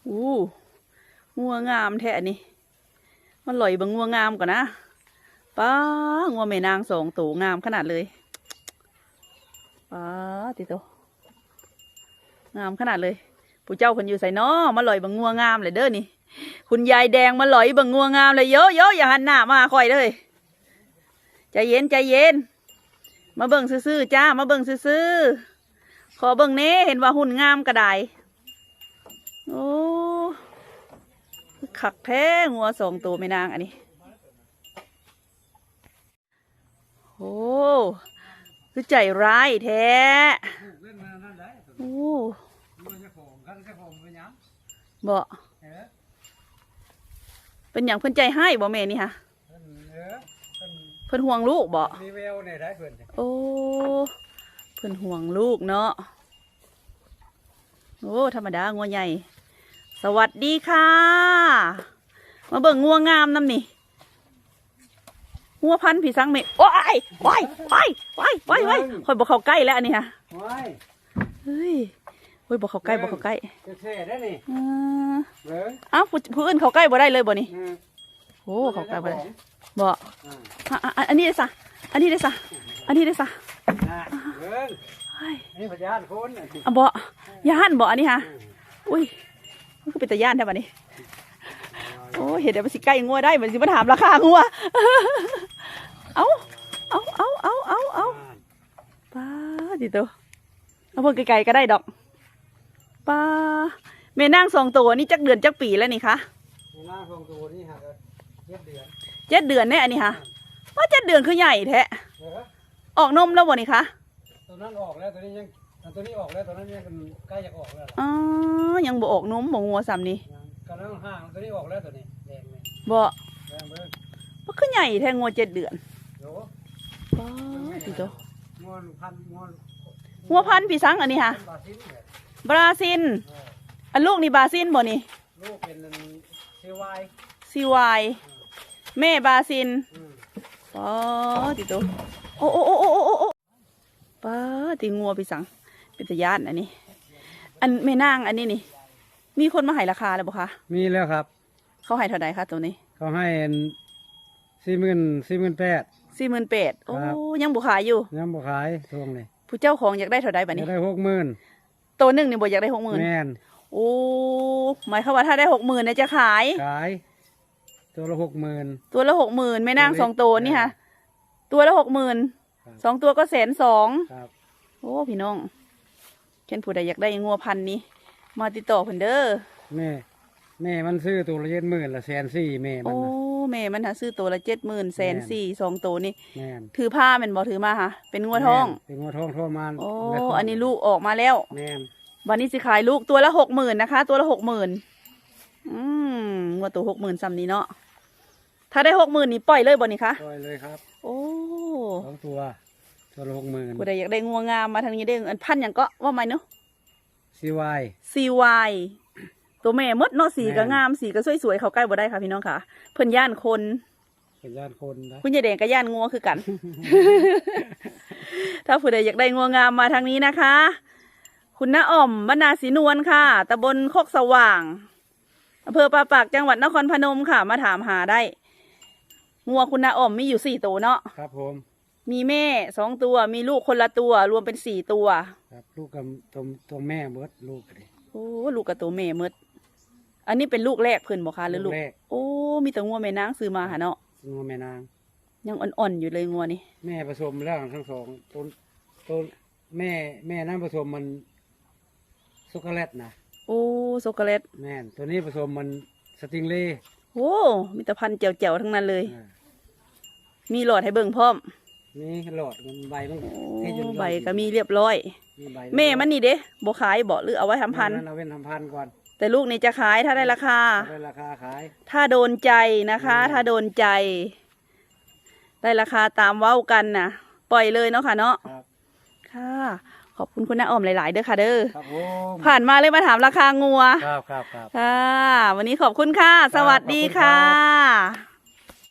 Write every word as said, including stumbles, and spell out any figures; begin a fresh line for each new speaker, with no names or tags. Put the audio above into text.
อู้งัวงามแท้นี่มันลอยบังงัวงามก่อนนะป้างัวแม่นางสองตัวงามขนาดเลยป้าติโตงามขนาดเลยผู้เจ้าคนอยู่ใส่น้อมาลอยบังงัวงามเลยเด้อนี่คุณยายแดงมาลอยบังงัวงามเลยเยอะเยอะอย่าหันหน้ามาคอยเลยใจเย็นใจเย็นมาเบิ่งซื่อๆจ้ามาเบิ่งซื่อๆขอเบิ่งเน่เห็นว่าหุ่นงามกระไดโอ้ขักแท้งัวสองตัวไม่นางอันนี้โอ้คือใจร้ายแท้โอ้บ่เป็นอย่างเพิ่นใจให้บ่แม่นี่ฮะเพิ่นห่วงลูกบ่โอ้เพิ่นห่วงลูกเนาะโอ้ธรรมดางัวใหญ่สวัสดีค่ะมาเบิ่งงัวงามน้ำนี่งัวพันธุ์ผีสังเมฆโอ้ยว้ายว้ายว้ายว้ายว้ายคอยบอกเขาใกล้แล้วอันนี้ฮะเฮ้ยเฮ้ยบอกเขาใกล้บอกเขาใกล้อ้าวผู้อื่นเขาใกล้บ่ได้เลยบ่นี่โอ้เขาใกล้บ่ได้บ่อันนี้ได้ซะอันนี้ได้ซะอันนี้ได้ซะ
นี่พยานคน
อ่ะบ่ย่านบ่อันนี้ฮะอุ้ยมันก็เป็นตาย่านแท้บัดนี้โอ้เห็นแต่มันสิใกล้งัวได้มันสิมาถามราคางัวเอาเอาเอาเอาเอาเอาป้าดิโตเอาเพิ่งไกลๆก็ได้ดอกป้าแม่นางสองตัวนี่จักเดือนจักปีแล้วนี่คะ
แม่นางสองตัวนี่ฮะเจ็ดเดือน
เจ็ดเดือนแน่อันนี้ฮะว่าเจ็ดเดือนคือใหญ่แท้ออกนมแล้วบ่นี่คะ
ตัวนั้นออกแล้วตัวนี้ยังตัวนี้ออกแล้วตัวนั้นยังใกล้จะออกแล้ว
อ๋อยังบ่ออกนมบ่งัวซ้ำนี่
กำลังห่างตัวนี้ออกแล้วตัวนี้แดงเลย
บ่
แดงเบิ้ง
มันคือใหญ่แท้งัวเจ็ดเดือน
โอ้
ป้าดิโต
งัวพันงัว
งัวพันธุ์พี่สังอันนี้ฮะบราซิลอันลูกนี่บราซิลบ่นี่
ลูกเป็นซีวาย
ซีวายแม่บราซิลป้าดิโตโอ้โอ้โอ้โอ้โอ้โอ้ป้าตีงัวพี่สังเป็นตะยานอันนี้อันแม่นางอันนี้นี่มีคนมาให้ราคาแล้วบ่คะ
มีแล้วครับ
เขาให้เท่าไหร่คะตัวนี้
เขาให้สี่หมื่นสี่หมื่นแปด
สี่หมื่นแปดโอ้ยังบุขายอยู่
ยังบุขายทวงเลย
ผู้เจ้าของอยากได้เท่าไหร่บัดนี้
อยากได้หกหมื่น
ตัวหนึ่งนี่บ่อยากได้หกหมื่น
แม่น
โอ้หมายความว่าถ้าได้หกหมื่นเนี่ยจะขาย
ขายตัวละหกหมื่น
ตัวละหกหมื่นแม่นางสองตัวนี่ค่ะตัวละหกหมื่นสองตัวก็แสนสองโอ้พี่น้องเช่นผู้ใดอยากได้งัวพันนี้มาติดต่อเพิ่นเด้อ
แม่แม่มันซื้อตัวละเจ็ดหมื่นละแสนสี่แม่มัน
โอ้แม่มันหาซื้อตัวละเจ็ดหมื่นแสนสี่สองตัวนี่
แม่
ถือผ้าเป็นบ่ถือมาค่ะเป็นงัวทอง
เป็นงัวทองทองมัน
โอ้อันนี้ลูกออกมาแล้ว
แม่
วันนี้สิขายลูกตัวละหกหมื่นนะคะตัวละหกหมื่นอืมงัวตัวหกหมื่นซ้ำนี้เนาะถ้าได้หกหมื่นนี่ปล่อยเลยบ่นี่คะ
ปล่อยเลยครับ
โอ้
สองตัวตัวละหกหมื่น
ผู้ใดอยากได้งัวงามมาทางนี้ได้อันพันอย่างก็ว่าไหมเนาะ
ซีวาย
ซีวายตัวแม่มดเนาะสีก็งามสีก็สวยๆเขาใกล้บ่ได้ค่ะพี่น้องค่ะเพิ่นย่านคน
เพิ่นย่านคนนะ
คุณยายแดงก็ย่านงัวคือกัน ถ้าผู้ใดอยากได้งัวงามมาทางนี้นะคะคุณน้าอ่อมบรรณาศรีนวลค่ะตำบลโคกสว่างอำเภอปราปากจังหวัดนครพนมค่ะมาถามหาได้งัวคุณน้าอ่อมมีอยู่สี่ตัวเนาะ
ครับผม
มีแม่สองตัวมีลูกคนละตัวรวมเป็นสี่ตัว
ครับลูกกับตัวตัวแม่เมิดลูกเลย
โอ้ลูกกับตัวแม่เมิดอันนี้เป็นลูกแรกเพิ่นบ่คะหรือลูกโอ้มีแต่งัวแม่นางซื้อมาหาเนาะ
งัวแม่นาง
ยังอ่อนๆอยู่เลยงัวนี่
แม่ผสมแล้วทั้งสองตัวตัวแม่แม่นั่งผสมมันช็อกโกแลตนะ
โอ้ช็อกโกแลต
แม่ตัวนี้ผสมมันสติงเล่
โอ้มีแต่พันเจ๋วๆทั้งนั้นเลยมีหลอดให้เบิ่งพร้อม
นี่หลอดมันใบมัน
ใบก็มีเรียบร้อยแม่มันนี่เด้บ่ขายบ่หรือเอาไว้ทำพันธุ์
เอาไว้ทำพันธุ์ก่อน
แต่ลูกนี่จะขายถ้าได้ราคา
ได้ราคาขาย
ถ้าโดนใจนะคะถ้าโดนใจได้ราคาตามเว้ากันนะปล่อยเลยเนาะค่ะเนาะค่ะขอบคุณคุณน้าอ้อมหลายๆเด้อค่ะเด้อผ่านมาเลยมาถามราคางัว
ครับครับครับ
ค่ะวันนี้ขอบคุณค่ะสวัสดีค่ะ